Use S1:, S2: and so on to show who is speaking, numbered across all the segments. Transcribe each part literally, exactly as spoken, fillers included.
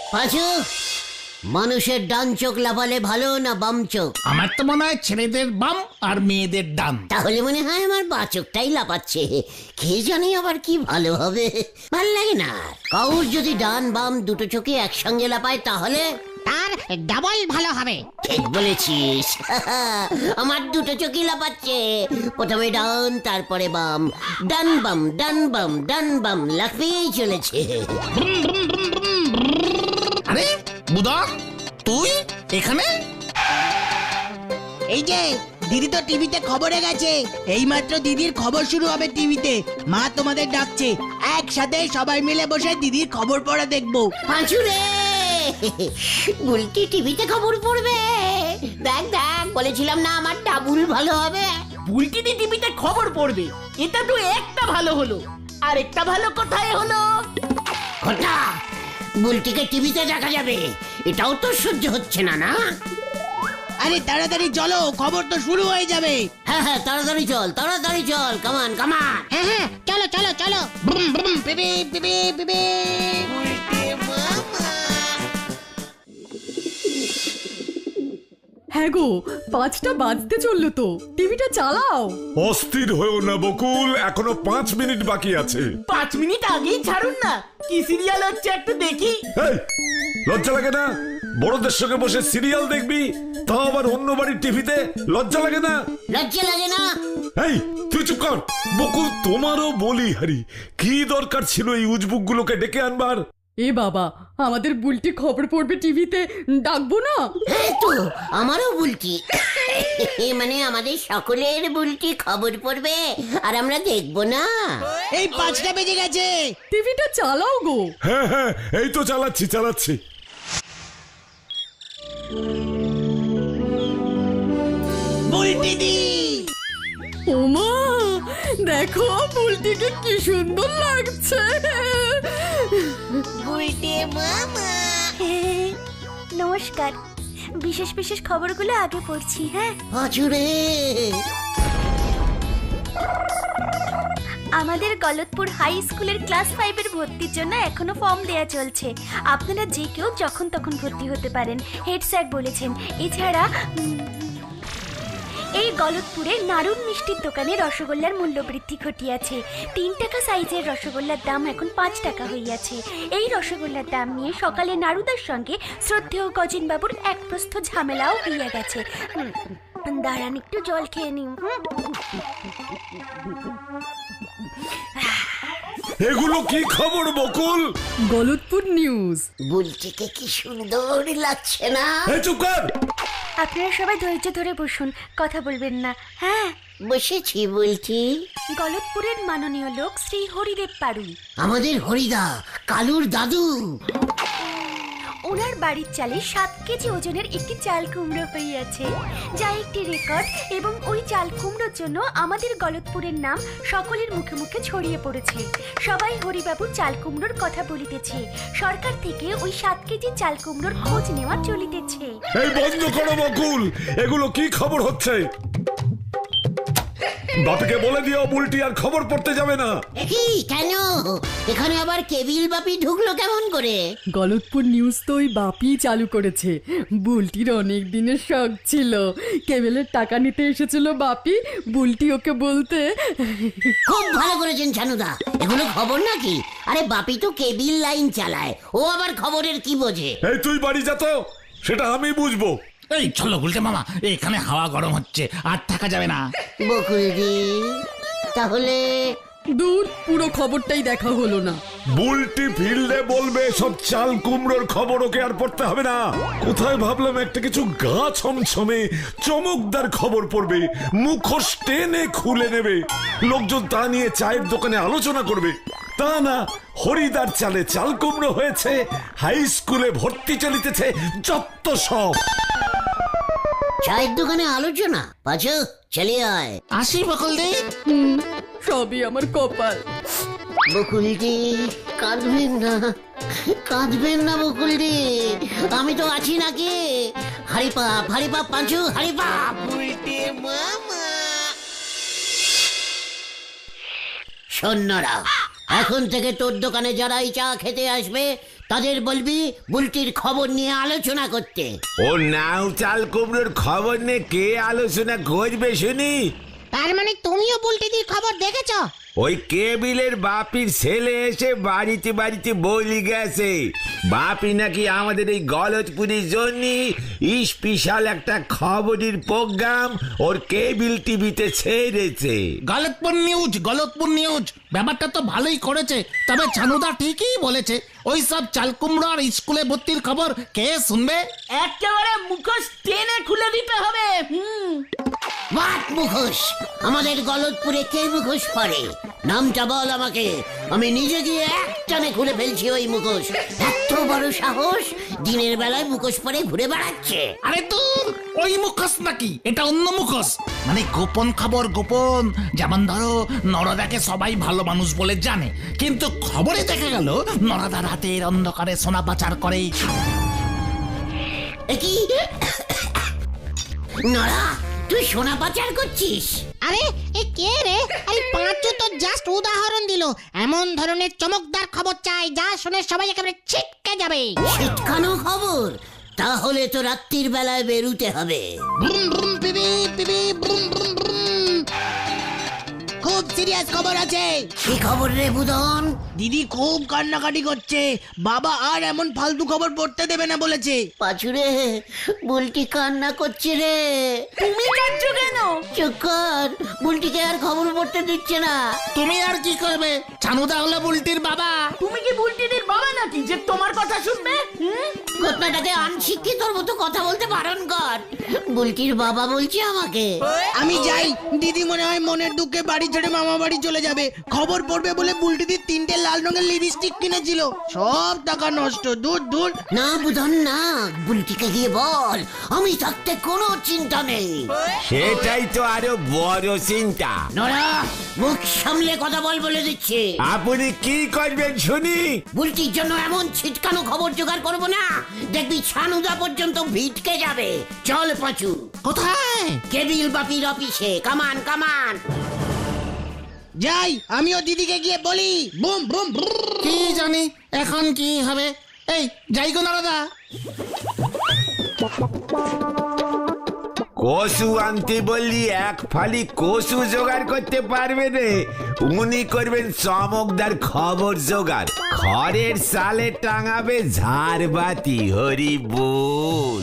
S1: পাঁচু, মানুষের ডান চোখ লাফালে ভালো না বাম চোখ?
S2: আমার তো মনে হয় ছেলেদের বাম আর মেয়েদের ডান।
S1: তাহলে মনে হয় আমার বা চোখটাই লাফাচ্ছে। কে জানে আবার কি ভালো হবে, ভাল লাগে না। কাউর যদি ডান বাম দুটো চোখে একসঙ্গে লাফায় তাহলে
S3: তার ডাবল ভালো হবে।
S1: ঠিক বলেছিস। আমার দুটো চোখই লাফাচ্ছে, প্রথমে ডান তারপরে বাম, ডান বাম ডান বাম ডান বাম লাফিয়েই চলেছে।
S2: আরে বুদা, তুই এখানে?
S4: এই যে দিদি তো টিভিতে খবরে গেছে, এইমাত্র দিদির খবর শুরু হবে টিভিতে। মা তোমাদের ডাকছে, একসাথে সবাই মিলে বসে দিদির খবর পড়া দেখবো।
S1: পাঁচু রে, বুলটি টিভিতে খবর পড়বে? দেখ দেখ, বলেছিলাম না আমার ডাবুল ভালো হবে।
S5: বুলটি টিভিতে খবর পড়বে, এটা তো একটা ভালো হলো। আর একটা ভালো কোথায় হলো?
S1: ঘটা, বুলটিকে টিভিতে দেখা যাবে, এটাও তো সহ্য হচ্ছে না। না
S4: আরে তাড়াতাড়ি চলো, খবর তো শুরু হয়ে যাবে।
S1: হ্যাঁ হ্যাঁ, তাড়াতাড়ি চল তাড়াতাড়ি চল, কামান কামান।
S3: হ্যাঁ হ্যাঁ, চলো চলো চলো।
S4: ব্রুম ব্রুম পিপি পিপি পিপি।
S6: হ্যাঁ গো, পাঁচটা বাজতে চললো তো, টিভিটা চালাও।
S7: অস্থির হয়েও না বকুল, এখনো পাঁচ মিনিট বাকি আছে।
S5: পাঁচ মিনিট আগেই ছাড়ুন না, কি সিরিয়াল হচ্ছে একটু দেখি।
S7: এই, লজ্জা লাগে না? বড়দের সঙ্গে বসে সিরিয়াল দেখবি, তাও আবার অন্য বাড়ির টিভিতে? লজ্জা লাগে না?
S1: লজ্জা লাগে না?
S7: এই তুই চুপ কর। বকুল, তোমারও বলি হারি, কি দরকার ছিল এই উজবুক গুলোকে ডেকে আনবার?
S6: এ বাবা, আমাদের বুলটি খবর পড়বে টিভিতে, ডাকবো না?
S1: হ্যাঁ তো, আমারও বুলটি, মানে আমাদের সকলের বুলটি খবর পড়বে আর আমরা দেখবো না?
S4: এই পাঁচটা বেজে গেছে,
S6: টিভিটা চালাও গো।
S7: হ্যাঁ হ্যাঁ, এই তো চালাচ্ছি চালাচ্ছি।
S4: বুলটি দি।
S6: ওমা, দেখো বুলটিকে কি সুন্দর লাগছে।
S8: নমস্কার, বিশেষ বিশেষ খবরগুলো আগে পড়ছি। হ্যাঁ,
S1: পাঁচু রে,
S8: আমাদের গলতপুর হাই স্কুলের ক্লাস ফাইভের ভর্তির জন্য এখনো ফর্ম দেয়া চলছে। আপনারা যে কেউ যখন তখন ভর্তি হতে পারেন, হেড স্যার বলেছেন। এছাড়া উম, এই গলতপুরে নারুন মিষ্টির দোকানে রসগোল্লার মূল্য বৃদ্ধি ঘটিয়াছে। তিন টাকা সাইজের রসগোল্লার দাম এখন পাঁচ টাকা হইয়াছে। এই রসগোল্লার দাম নিয়ে সকালে নারুদার সঙ্গে শ্রদ্ধেয় গজেন বাবুর এক প্রস্থ ঝামেলাও হইয়া গেছে। উম, দাঁড়ান একটু জল খেয়ে নিন।
S7: এগুলো কি খবর বকুল?
S6: গলতপুর নিউজ।
S1: বুলটিকে কি সুন্দর লাগছে না?
S7: এই চুপ কর।
S8: আপনারা সবাই ধৈর্য ধরে বসুন, কথা বলবেন না। হ্যাঁ,
S1: বসেছি বুলটি।
S8: গলতপুরের মাননীয় লোক শ্রী হরিদেব পাড়ুই,
S1: আমাদের হরিদা, কালুর দাদু।
S8: ওনার বাড়ির চালে সাত কেজি ওজনের একটি চাল কুমড়ো হইয়াছে, যা একটি রেকর্ড। এবং ওই চাল কুমড়োর জন্য আমাদের গলতপুরের নাম সকলের মুখে মুখে ছড়িয়ে পড়েছে। সবাই হরিবাবু চাল কুমড়োর কথা বলিতেছে। সরকার থেকে ওই সাত কেজি চাল কুমড়োর খোঁজ নেওয়া চলিতেছে।
S7: এই বন্ধ করো বকুল, এগুলো কি খবর হচ্ছে? বাপিকে বলে দিও বুলটি আর খবর পড়তে যাবে না।
S1: কি, কেন? এখানে আবার কেবিল বাপি ঢুকলো কেমন করে?
S6: গলতপুর নিউজ তো ওই বাপি চালু করেছে। বুলটির অনেক দিনের শখ ছিল, কেবেলের টাকা নিতে এসেছিল বাপি, বুলটি ওকে বলতে।
S1: খুব ভালো করেছেন ছানুদা, এগুলো খবর নাকি? আরে বাপি তো কেবিল লাইন চালায়, ও আবার খবরের কি বোঝে?
S7: এই তুই বাড়ি যা তো, সেটা আমি বুঝবো।
S2: এই চলো গুলটে মামা, এখানে হাওয়া গরম হচ্ছে, আর থাকা যাবে না।
S1: বকুলদি, তাহলে
S6: দূর, পুরো খবরটাই দেখা হলো না।
S7: বুলটি ফিল্ডে বলবে সব চাল কুমড়োর খবর, ওকে আর পড়তে হবে না। কোথায় ভাবলাম একটা কিছু গা ছমছমে চমকদার খবর পড়বে, মুখোশ টেনে খুলে নেবে, লোকজন তা নিয়ে চায়ের দোকানে আলোচনা করবে। তা না, হরিদার চালে চাল কুমড়ো হয়েছে, হাই স্কুলে ভর্তি চলিতেছে, যত সব।
S1: চায়ের দোকানে আলোচনা? পাঁচু, চলে আয়।
S2: আসি বকুল দি।
S6: হুম, সবই আমার কপাল।
S1: বকুলদি, কাঁদবেন না, কাঁদবেন না বকুলদি, আমি তো আছি নাকি? হারিপাপ হারিপাপ পাঁচু, হারিপাপ। সৈন্যরা, এখন থেকে তোর দোকানে যারাই চা খেতে আসবে তাদের বলবি বুলটির খবর নিয়ে আলোচনা করতে।
S9: ও নাও চাল কুমড়োর খবর নিয়ে কে আলোচনা করবে শুনি?
S3: তার মানে তুমিও বুলটিদির খবর দেখেছো?
S9: ওই কেবিলের বাপির ছেলে এসে বাড়িতে বাড়িতে বলি গেছে বাপি নাকি আমাদের এই গলতপুরের জন্য স্পেশাল একটা খবরের প্রোগ্রাম ওর কেবিল টিভিতে ছেড়েছে।
S2: গলতপুর নিউজ, গলতপুর নিউজ ব্যাপারটা তো ভালোই করেছে। তবে ছানুদা ঠিকই বলেছে, ওই সব চালকুমড়ো আর স্কুলে ভর্তির খবর কে শুনবে?
S5: একেবারে মুখোশ টেনে খুলে দিতে হবে। হুম
S1: বাট মুখোশ? আমাদের গলতপুরে কে মুখোশ পরে? নামটা বল আমাকে, আমি নিজে গিয়ে একটানে খুলে ফেলছি ওই মুখোশ। এত বড় সাহস, দিনের বেলায় মুখোশ পরে ঘুরে বেড়াচ্ছে।
S2: আরে তুই ওই মুখোশ নাকি, এটা অন্য মুখোশ। মানে গোপন খবর গোপন। যেমন ধরো নরদাকে সবাই ভালো মানুষ বলে জানে, কিন্তু খবরে দেখা গেল নরদা রাতের অন্ধকারে সোনা পাচার করে।
S1: এ কি নরা, তুই সোনা পাচার করছিস?
S3: আরে এ কে রে? আরে পাঁচু তো জাস্ট উদাহরণ দিল। এমন ধরনের চমকদার খবর চাই যা শুনে সবাই একেবারে ছিটকে যাবে।
S1: ছিটকানো খবর? তাহলে তো রাত্রির বেলায় বেরুতে হবে।
S4: ব্রুম ব্রুম পিপি পিপি ব্রুম ব্রুম ব্রুম। খুব সিরিয়াস খবর আছে।
S1: কি খবর রে বুদন?
S4: দিদি খুব কান্নাকাটি করছে, বাবা আর এমন ফালতু খবর পড়তে দেবে না বলেছে।
S1: পাঁচুরে, বুলটি কান্না করছে রে।
S5: তুমি কাঁদছো কেন?
S1: চুপ কর, বুলটিকে আর খবর পড়তে দিচ্ছে না।
S2: তুমি আর কি করবে? ছানুদা হলো বুলটির বাবা।
S5: তুমি কি বুলটিদের বাবা নাকি যে তোমার কথা শুনবে? হুম
S1: ঘটনাটাকে আনশিক্ষিতর মতো কথা বলতে বারণ কর। বুলটির বাবা বলছে আমাকে।
S4: আমি যাই, দিদি মনে হয় মনের দুঃখে বাড়ি ছেড়ে মামা বাড়ি চলে যাবে। খবর পড়বে বলে বুলটিদির তিনটে লাল রঙের লিপস্টিক কিনেছিল, সব টাকা নষ্ট। দূর দূর।
S1: না বুধন না, বুলটিকে গিয়ে বল আমি থাকতে কোনো চিন্তা নেই।
S9: সেটাই তো আরো বড় চিন্তা।
S1: নরা, মুখ সামলে কথা বল বলে দিচ্ছে।
S9: আপনি কি করবেন শুনি?
S1: বুলটির জন্য এমন ছিটকানো খবর জোগাড় করবো না, দেখবি ছানুদা পর্যন্ত ভিটকে যাবে। চল পাঁচু।
S2: কোথায়?
S1: কেবিল বাপির অফিসে। কামান কামান।
S4: যাই, আমিও দিদিকে গিয়ে বলি। Boom boom vroom.
S2: কি জানি এখন কি হবে। এই যাই গো নরদা।
S9: কসু আনতে বললি এক ফালি কসু জোগাড় করতে পারবে রে? উনি করবেন চমকদার খবর জোগাড়। খড়ের সালে টাঙাবে ঝাড়বাতি। হরি বল।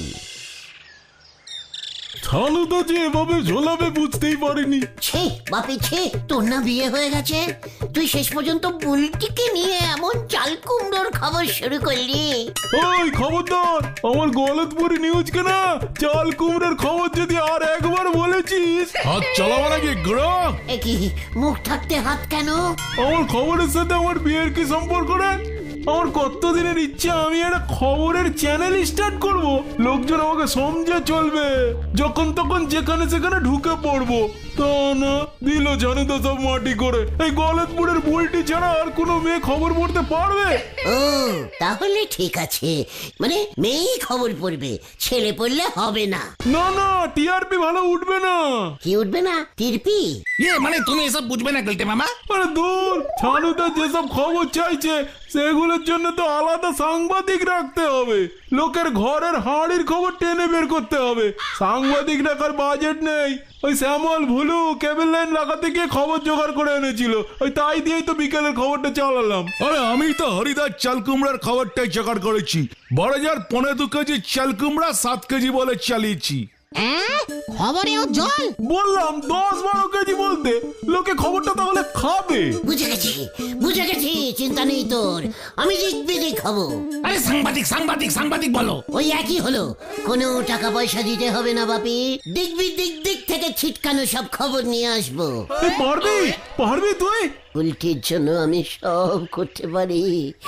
S7: ছানুদা যে এভাবে ঝোলাবে বুঝতেই পারিনি।
S1: ছে বাপি ছে, তোর না বিয়ে হয়ে গেছে, তুই শেষ পর্যন্ত বুলটিকে নিয়ে এমন চাল কুমড়োর খবর শুরু করলি।
S7: ওই খবরদার, আমার গলতপুরি নিউজকে না চাল কুমড়োর খবর যদি আর একবার বলেছিস হাত চালাবো নাকি গ্রহ।
S1: এ কি, মুখ থাকতে হাত কেন?
S7: আমার খবরের সাথে আমার বিয়ের কি সম্পর্ক রে? আমার কতদিনের ইচ্ছা আমি একটা খবরের চ্যানেল স্টার্ট করব, লোকজন আমাকে সমঝে চলবে, যখন তখন যেখানে সেখানে ঢুকে পড়বো। তা না, দিল জানে তো সব মাটি করে। এই গলতপুরের বুলটি ছাড়া আর কোনো মেয়ে খবর পড়তে পারবে?
S1: ও তাহলে ঠিক আছে, মানে মেয়েই খবর পড়বে, ছেলে পড়লে হবে না।
S7: না না, টিআরপি ভালো উঠবে না।
S1: কি উঠবে না? টিরপি?
S2: ইয়ে মানে তুমি এসব বুঝবে না গেলতে মামা।
S7: আরে দূর, ছানুদা যেসব খবর চাইছে সেগুলোর জন্য তো আলাদা সাংবাদিক রাখতে হবে। লোকের ঘরের হাঁড়ির খবর টেনে বের করতে হবে। সাংবাদিক রাখার বাজেট নেই। ওই শ্যামল ভুলু কেবল লাইন লাগাতে গিয়ে খবর জোগাড় করে এনেছিল, ওই তাই দিয়েই তো বিকেলের খবরটা চালালাম। আরে আমি তো হরিদার চাল কুমড়ার খবরটাই জোগাড় করেছি। বড় যার পনেরো দু কেজি চাল কুমড়া সাত কেজি বলে চালিয়েছি।
S3: হ্যাঁ, খবরেও জল?
S7: বললাম দশ বারো কেজি বলতে, লোকে খবরটা তাহলে খাবে।
S1: বুঝে গেছি বুঝে গেছি, চিন্তা নেই তোর, আমি দিক খাবো।
S2: আরে সাংবাদিক সাংবাদিক সাংবাদিক বলো।
S1: ওই একই হলো, কোনো টাকা পয়সা দিতে হবে না বাপি। দিকবি দিক দিক থেকে ছিটকানো সব খবর নিয়ে আসবো।
S7: এই পারবি পারবি তুই?
S1: উল্টির জন্য আমি সব করতে পারি।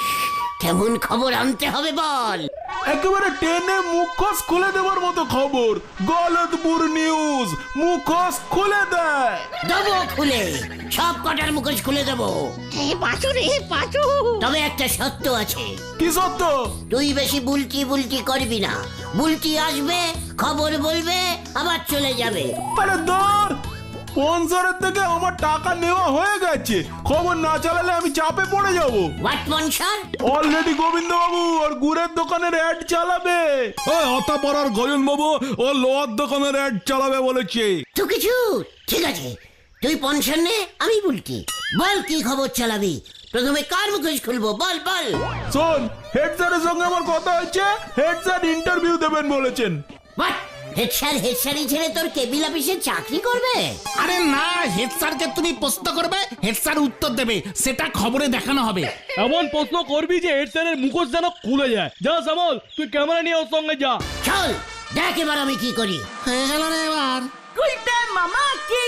S1: কেমন খবর আনতে হবে বল?
S7: একেবারে টেনে মুখোশ খুলে দেওয়ার মতো খবর। গলতপুর নিউজ মুখোশ খুলে দেয়।
S1: দেবো খুলে, সব কটার মুখোশ খুলে দেবো।
S3: এ পাঁচু রে পাঁচু।
S1: তবে একটা সত্য আছে।
S7: কি সত্য?
S1: তুই বেশি বুলটি বুলটি করবি না। বুলটি আসবে, খবর বলবে, আবার চলে যাবে।
S7: আরে দর,
S10: স্পন্সরের থেকে আমার টাকা নেওয়া হয়ে গেছে, খবর না চালালে আমি চাপে পড়ে যাব।
S1: হোয়াট মনসার?
S10: অলরেডি গোবিন্দ বাবু আর গুড়ের দোকানের অ্যাড চালাবে। ওই অতাপাড়ার গয়ন বাবু ও লোহার দোকানের অ্যাড চালাবে বলেছে।
S1: তো কিছু ঠিক আছে, তুই পনসার নে, আমি বুলটি। বল কি খবর চালাবি? প্রথমে কার মুখোশ খুলবো? বল বল।
S10: শোন, হেড স্যারের সঙ্গে আমার কথা হয়েছে, হেড স্যার ইন্টারভিউ দেবেন বলেছেন।
S1: হোয়াট? হেড স্যার হেড স্যারই ছেড়ে তোর কেবিল অফিসে চাকরি করবে?
S2: আরে না, হেড স্যারকে তুমি প্রশ্ন করবে, হেড স্যার উত্তর দেবে, সেটা খবরে দেখানো হবে।
S10: এমন প্রশ্ন করবি যে হেড স্যারের মুখোশ যেন খুলে যায়। যা শ্যামল, তুই ক্যামেরা নিয়ে ওর সঙ্গে যা।
S1: চল দেখ এবার আমি কি করি।
S2: হয়ে গেল রে এবার।
S5: গুলটে মামা কি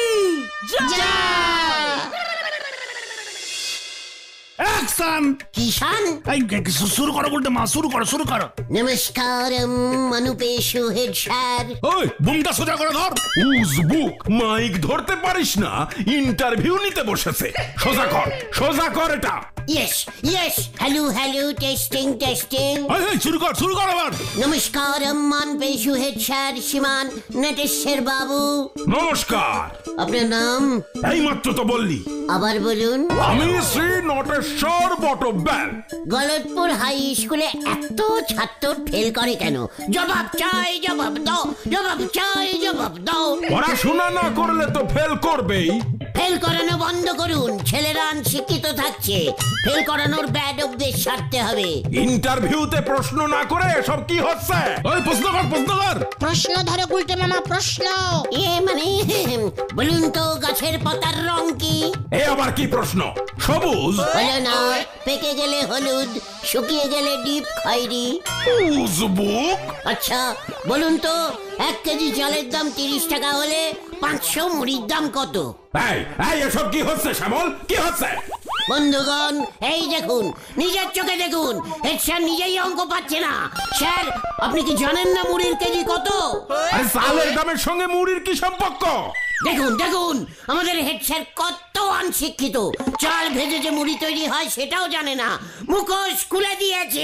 S2: অ্যাকশন!
S1: কিষান
S2: এই শুরু করো বলতে মা, শুরু করো শুরু করো।
S1: নমস্কারম অনুপেশু হেড স্যার।
S7: ওই
S2: বুমটা সোজা করে ধর।
S7: উজবুক, মাইক ধরতে পারিস না? ইন্টারভিউ নিতে বসেছে। সোজা কর, সোজা কর এটা।
S1: Yes yes, hello hello, testing testing.
S2: এই, এই, শুরু কর শুরু কর আবার।
S1: নমস্কারম অনুপেশু হেড স্যার শ্রীমান নটেশ্বর বাবু।
S7: নমস্কার।
S1: আপনার নাম?
S7: এই মাত্র তো বললি।
S1: আবার বলুন।
S7: আমি শ্রী নটেশ্বর বটব্যাল।
S1: গলতপুর হাই স্কুলে এত ছাত্র ফেল করে কেন? জবাব চাই, জবাব দাও, জবাব চাই, জবাব দাও।
S7: পড়াশোনা না করলে তো ফেল করবেই।
S1: ফেল করানো বন্ধ করুন, ছেলেরা শিক্ষিত থাকছে। ফেল করানোর ব্যাড অভ্যেস সারতে হবে।
S7: ইন্টারভিউতে প্রশ্ন না করে সব কি হচ্ছে?
S2: ওই প্রশ্ন কর প্রশ্ন কর।
S3: প্রশ্ন ধরো গুলটে মামা, প্রশ্ন।
S1: এ মানে বলুন তো গাছের পাতার রং কি?
S7: এ আবার কি প্রশ্ন? সবুজ।
S1: হলো না, পেকে গেলে হলুদ, শুকিয়ে গেলে ডিপ খয়েরি।
S7: উজবুক।
S1: আচ্ছা বলুন তো, এক কেজি চালের দাম তিরিশ টাকা হলে পাঁচশো মুড়ির দাম কত?
S7: এই এই এসব কি হচ্ছে শ্যামল? কি হচ্ছে?
S1: বন্ধুগণ এই দেখুন, নিজের চোখে দেখুন, হেড স্যার নিজেই অঙ্ক পাচ্ছে না। স্যার আপনি কি জানেন না মুড়ির কেজি কত?
S7: আরে চালের দামের সঙ্গে মুড়ির কি সম্পর্ক?
S1: দেখুন দেখুন, আমাদের হেড স্যার কত অনশিক্ষিত। চাল ভেজে যে মুড়ি তৈরি হয় সেটাও জানে না, মুখোশ খুলে দিয়েছে।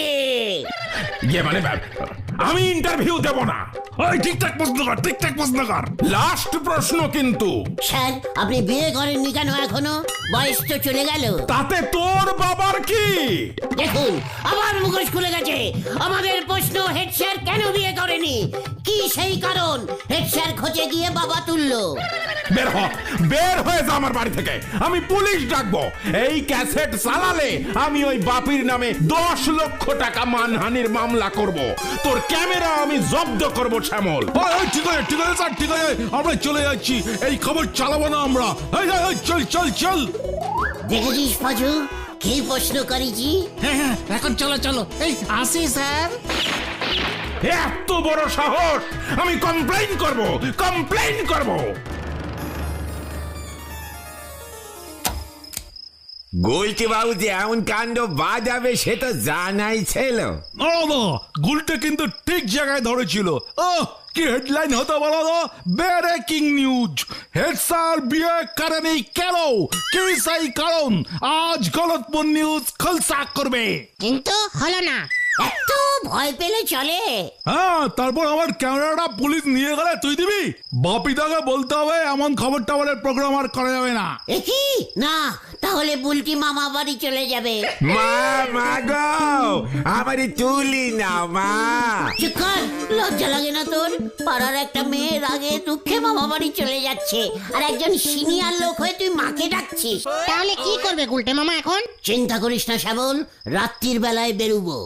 S7: ইয়ে মানে আমি ইন্টারভিউ দেব না।
S2: ওই ঠিকঠাক প্রশ্ন কর, ঠিকঠাক প্রশ্ন কর।
S7: লাস্ট প্রশ্ন কিন্তু।
S1: স্যার আপনি বিয়ে করেননি কেন এখনো? বয়স তো চলে গেল।
S7: তাতে তোর বাবার কি?
S1: দেখুন আবার মুখোশ খুলে গেছে। আমাদের প্রশ্ন, হেড স্যার কেন বিয়ে করেনি? কি সেই কারণ? হেড স্যার খোঁজে গিয়ে বাবা তুললো।
S7: বের হ, বের হয়ে যা আমার বাড়ি থেকে। আমি পুলিশ ডাকবো। এই ক্যাসেট চালালে আমি ওই বাপির নামে দশ লক্ষ টাকা মানহানির মামলা করব। তোর ক্যামেরা আমি জব্দ করব শ্যামল।
S10: ঠিক আছে ঠিক আছে স্যার, ঠিক আছে, আমরা চলে যাচ্ছি। এই খবর চালাবো না আমরা। এই, এই, এই, চল চল চল।
S1: দেখেছিস পাজু কি প্রশ্ন করেছি?
S2: হ্যাঁ হ্যাঁ, এখন চলো চলো। এই আসি স্যার।
S7: এত বড় সাহস! আমি কমপ্লেইন করব, কমপ্লেইন করব।
S9: গোলটি বাবু যে এমন কাণ্ড বাজাবে সে তো জানাই ছিল।
S10: ও গুলটে কিন্তু ঠিক জায়গায় ধরেছিল। ও কি হেডলাইন হতো বলো তো? ব্রেকিং নিউজ, হেড স্যার বিয়ে করেনি কেন, কি সেই কারণ? আজ গলতপুর নিউজ খোলসা করবে।
S3: কিন্তু হলো না।
S1: এত ভয় পেলে চলে?
S10: হ্যাঁ, তারপর আমার ক্যামেরাটা পুলিশ নিয়ে গেলে তুই দিবি? বাপিদাকে বলতে হবে এমন খবর টাবরের প্রোগ্রাম আর করা যাবে না।
S1: এ কি না, তাহলে বুলটি মামা বাড়ি চলে যাবে।
S9: মা মা গো, আমারই তুলি না মা।
S1: চুপ কর, লজ্জা লাগে না তোর? পাড়ার একটা মেয়ের আগে দুঃখে মামা বাড়ি চলে যাচ্ছে, আর একজন সিনিয়র লোক হয়ে তুই মাকে ডাকছিস।
S3: তাহলে কি করবে গুলটে মামা এখন?
S1: চিন্তা করিস না শ্যামল, রাত্রির বেলায় বেরুবো।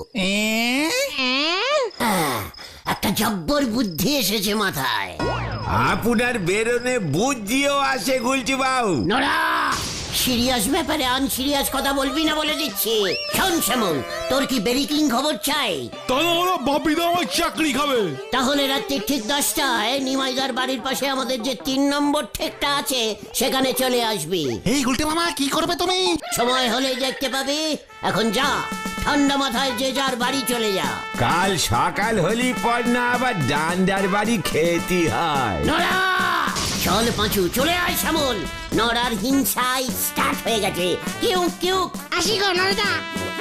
S1: হ্যাঁ, একটা জব্বর বুদ্ধি এসেছে মাথায়।
S9: আপনার বেরোনে বুদ্ধিও আসে গুলটি বাবু।
S1: নড়া, সিরিয়াস ব্যাপারে আনসিরিয়াস কথা বলবি না বলে দিচ্ছি। শোন শ্যামল, তোর কি ব্রেকিং খবর চাই?
S10: তাহলে বাপিদা আমার চাকরি খাবে।
S1: তাহলে রাত্রি ঠিক দশটায় নিমাইদার বাড়ির পাশে আমাদের যে তিন নম্বর ঠেকটা আছে সেখানে চলে আসবি।
S2: এই গুলটে মামা কি করবে তুমি?
S1: সময় হলেই দেখতে পাবি। এখন যা, ঠান্ডা মাথায় যে যার বাড়ি চলে যা।
S9: কাল সকাল হলি পর না আবার ডান্ডার বাড়ি খেতে হয়।
S1: নড়া, চল পাঁচু, চলে আয় শ্যামল। নড়ার হিংসায় স্টার্ট হয়ে গেছে। কিউ কিউ।
S3: আসি গো নরদা।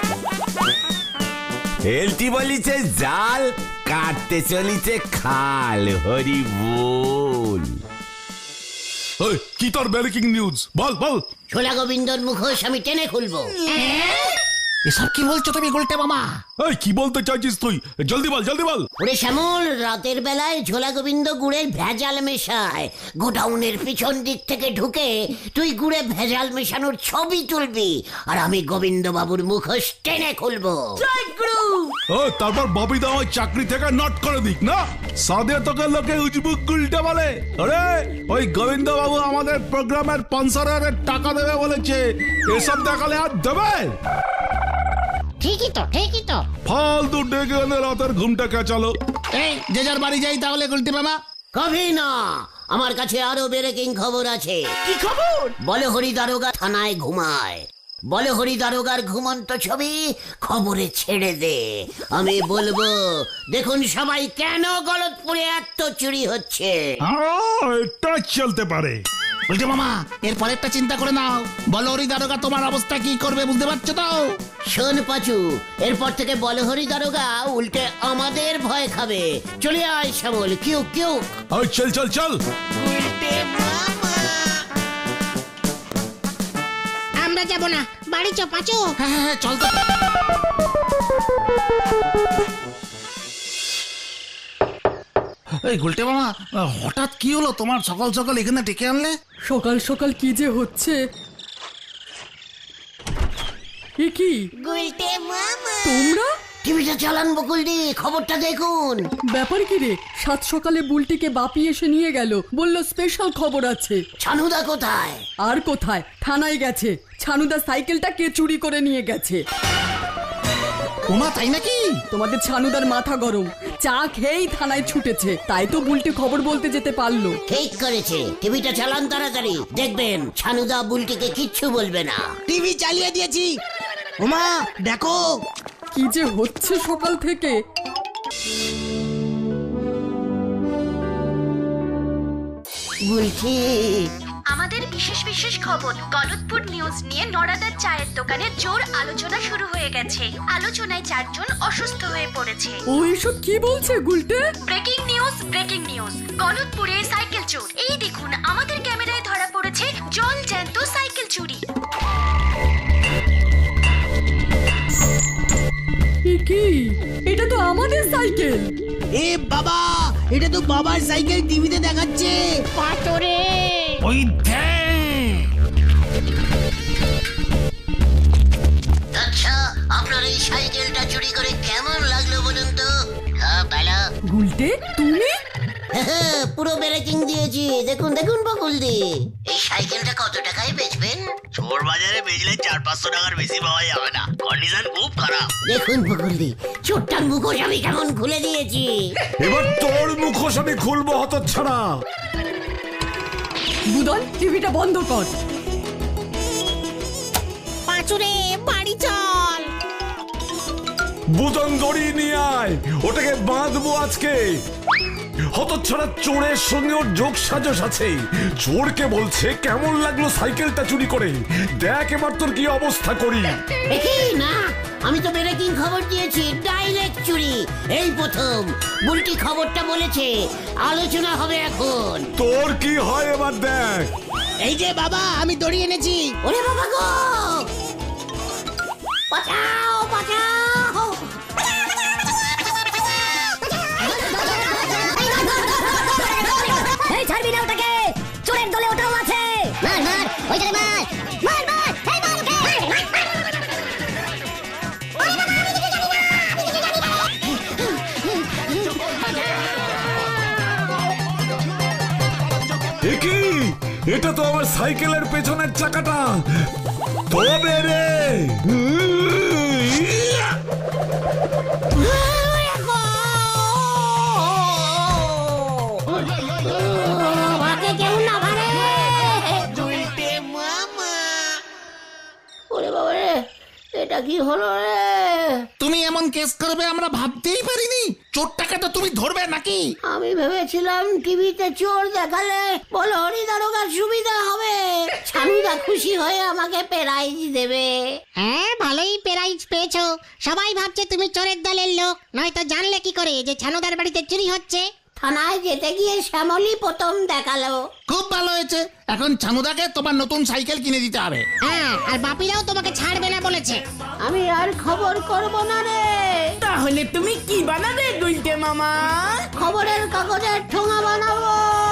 S9: হেলতি বলিছে জাল, কাটতে চলিছে খাল। হরি বল।
S10: ওই, কি তোর ব্রেকিং নিউজ বল বল।
S1: ছোলা গোবিন্দর মুখোশ আমি টেনে খুলবো।
S2: এসব কি বলছো তুমি গুলটে মামা?
S10: এই কি বলতে চাইছিস তুই? জলদি বল জলদি বল।
S1: ওরে শ্যামল, রাতের বেলায় ঝোলা গোবিন্দ গুড়ের ভেজাল মেশায়। গোডাউনের পিছন দিক থেকে ঢুকে তুই গুড়ে ভেজাল মেশানোর ছবি তুলবি, আর আমি গোবিন্দ বাবুর মুখোশ টেনে খুলবো।
S10: ও তারপর ববিদা ওই চাকরি থেকে নট করে দিক না, সাদে তোকে লোকে উজবুক গুলটে বলে। আরে ওই গোবিন্দ বাবু আমাদের প্রোগ্রামের স্পন্সরের টাকা দেবে বলেছে, এসব দেখালে আর দেবে?
S3: ঠিকই তো ঠিকই তো।
S10: ফালতু ডেকে এনে রাতের ঘুমটা কেচালো।
S2: এই যে যার বাড়ি যাই তাহলে গুলটে মামা।
S1: কবি না, আমার কাছে আরো ব্রেকিং খবর আছে।
S5: কি খবর?
S1: বলে হরি দারোগা থানায় ঘুমায়। বলে হরি দারোগার ঘুমন্ত ছবি খবরে ছেড়ে দে। আমি বলবো, দেখুন সবাই কেন গলতপুরে এত চুরি হচ্ছে।
S10: হ্যাঁ, এটা চলতে পারে।
S2: গুলটে মামা এর পরেরটা চিন্তা করে নাও। বলো হরি দারোগা তোমার অবস্থা কি করবে বুঝতে পারছো তো?
S1: শোন পাচু, এরপর থেকে বলে হরি দারোগা উল্টে আমাদের ভয় খাবে। চলে আয় শ্যামল, কিউ কিউ।
S10: ওই চল চল চল।
S3: আমরা যাব না, বাড়ি চ পাঁচু।
S2: হ্যাঁ হ্যাঁ হ্যাঁ, চল তো। এই গুলটে মামা, হঠাৎ কি হলো তোমার সকাল সকাল এখানে ডেকে আনলে?
S6: সকাল সকাল কি যে হচ্ছে। এ কি তোমরা?
S1: টিভিটা চালান বকুলদি, খবরটা দেখুন।
S6: ব্যাপার কি রে? সাত সকালে বুলটিকে বাপি এসে নিয়ে গেল, বলল স্পেশাল খবর আছে।
S1: ছানুদা কোথায়?
S6: আর কোথায়, থানায় গেছে। ছানুদা সাইকেলটা কে চুরি করে নিয়ে গেছে।
S2: ওমা তাই নাকি?
S6: তোমাদের ছানুদার মাথা গরম, চা খেয়েই থানায় ছুটেছে, তাই তো বুলটি খবর বলতে যেতে পারলো।
S1: ঠিক করেছে, টিভিটা চালান তাড়াতাড়ি, দেখবেন ছানুদা বুলটিকে কিচ্ছু বলবে না।
S4: টিভি চালিয়ে দিয়েছি। ওমা দেখো
S6: কি যে হচ্ছে সকাল থেকে।
S1: বুলটি,
S8: আমাদের বিশেষ বিশেষ খবর গলতপুর নিউজ নিয়ে নড়াদার চায়ের দোকানে জোর আলোচনা শুরু হয়ে গেছে। আলোচনায় চারজন অসুস্থ হয়ে পড়েছে।
S6: ও এসব কি বলছে গুলটে?
S8: Breaking news, breaking news. গলতপুরে সাইকেল চোর। এই দেখুন, আমাদের ক্যামেরায় ধরা পড়েছে জল জ্যান্ত সাইকেল চুরি।
S6: এ কি? এটা তো আমাদের সাইকেল।
S4: এ বাবা, এটা তো বাবার সাইকেল টিভিতে দেখাচ্ছে।
S3: পাঁচরে
S2: ওই দেখ।
S1: আচ্ছা, আপনার এই সাইকেলটা চুরি করে কেমন লাগলো বলুন তো? হ্যাঁ ভালো।
S6: গুলটে তুমি?
S1: পুরো ব্রেকিং দিয়েছি, দেখুন দেখুন বকুলদি। এই সাইকেলটা কত টাকায় বেচবেন?
S4: চোর বাজারে বেচলে চার পাঁচশো টাকার বেশি পাওয়া যাবে না, কন্ডিশন খুব খারাপ।
S1: দেখুন বকুলদি, চোরটার মুখোশ আমি কেমন খুলে দিয়েছি।
S7: এবার তোর মুখোশ আমি খুলবো হতচ্ছাড়া।
S6: বুদন, টিভিটা বন্ধ কর।
S3: পাঁচুরে বাড়ি চল।
S7: বুদন দড়ি নিয়ে আয়, ওটাকে বাঁধবো আজকে। হতচ্ছাড়া চোরের সঙ্গে ওর যোগ সাজস আছে। চোরকে বলছে কেমন লাগলো সাইকেলটা চুরি করে, দেখ এবার তোর কি অবস্থা করি।
S1: এই না, আমি তো ব্রেকিং খবর দিয়েছি, ডাইরেক্ট চুরি। এই প্রথম বুলটি খবরটা বলেছে, আলোচনা হবে এখন।
S7: তোর কি হয় এবার দেখ।
S4: এই যে বাবা, আমি দড়ি এনেছি।
S1: ওরে বাবা গো, বাঁচাও বাঁচাও।
S11: এই ছাড়বি না ওটাকে, চোরের দলে ওটাও আছে। মার মার ওইটারে মার মার মার এই মার ওকে।
S7: এ কি? এটা তো আমার সাইকেলের পেছনের চাকাটা। তবে রে
S1: আমাকে কেউ না মারে। ওরে বাবা রে, এটা কি হলো রে?
S2: তুমি এমন কেস করবে আমরা ভাবতেই পারিনি। চোরটাকে তো তুমি ধরবে নাকি?
S1: আমি ভেবেছিলাম টিভিতে চোর দেখালে বলো হরি দারোগার সুবিধা হবে, ছানুদা খুশি হয়ে আমাকে প্রাইজ দেবে।
S3: হ্যাঁ, ভালোই প্রাইজ পেয়েছো। সবাই ভাবছে তুমি চোরের দলের লোক, নয়তো জানলে কি করে যে ছানুদার বাড়িতে চুরি হচ্ছে?
S1: থানায় যেতে গিয়ে শ্যামলী প্রথম দেখালো।
S2: খুব ভালো হয়েছে, এখন ছানুদাকে তোমার নতুন সাইকেল কিনে দিতে হবে।
S3: হ্যাঁ, আর বাপিরাও তোমাকে ছাড়বে না বলেছে।
S1: আমি আর খবর করব না রে।
S5: তাহলে তুমি কি বানাবে গুলটে মামা?
S1: খবরের কাগজের ঠোঙা বানাবো।